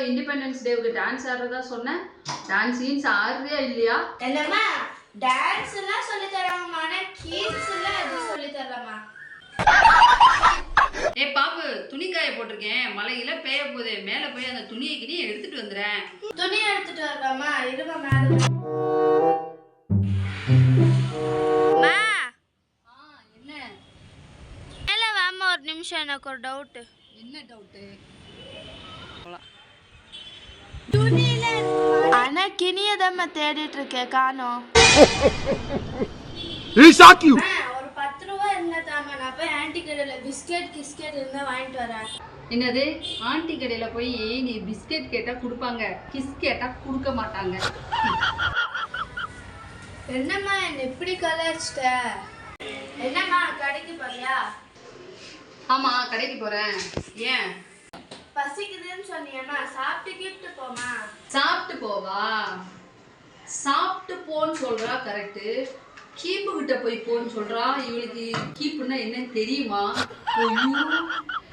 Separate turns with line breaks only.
Independence டேவுக்கு dance ஆடுறதா சொன்னேன். Dance scenes ஆடுறியா இல்லையா?
என்னம்மா டான்ஸ் எல்லாம் சொல்லி தராங்கம்மா, ஆனா கீட்ஸ் எல்லாம் எதுவும் சொல்லி தரலம்மா.
ஏ பாப்பு, துணி காய போட்டிருக்கேன், மழையில பெய்ய போதே, மேல போய் அந்த துணியை கிணியை எடுத்துட்டு வந்துடுறேன்.
துணியை எடுத்துட்டு வரலாமா? இருமா மேல.
என்ன
மேல வாமா, ஒரு நிமிஷம், எனக்கு ஒரு டவுட்.
என்ன டவுட்டு?
ஆனா கிணியதாம தேடிட்டு இருக்கேன், காணோம். ஒரு 10 ரூபா இருந்தா தாமா, நான் போய் ஆன்டி கடையில பிஸ்கெட் கிஸ்கெட் இருந்தா வாங்கிட்டு வரேன்.
என்னது? ஆண்டி கடையில போய் நீ பிஸ்கெட் கேட்டா கொடுப்பாங்க, கிஸ் கேட்டா கொடுக்க மாட்டாங்க.
என்னம்மா என்ன இப்படி கலாச்சிட்ட? என்னம்மா கடைக்கு போறியா?
ஆமா, கடைக்கு போறேன். ஏன்?
பசிக்குதுன்னு சொன்னியம்மா, சாப்பிட்டுக்கிட்டு போமா.
சாப்பிட்டு போவா? சாப்பிட்டு போன்னு சொல்றா கரெக்டு, கீப்பு கிட்ட போய் போன்னு சொல்றா. இவளுக்கு கீப்புன்னா என்னன்னு தெரியுமா?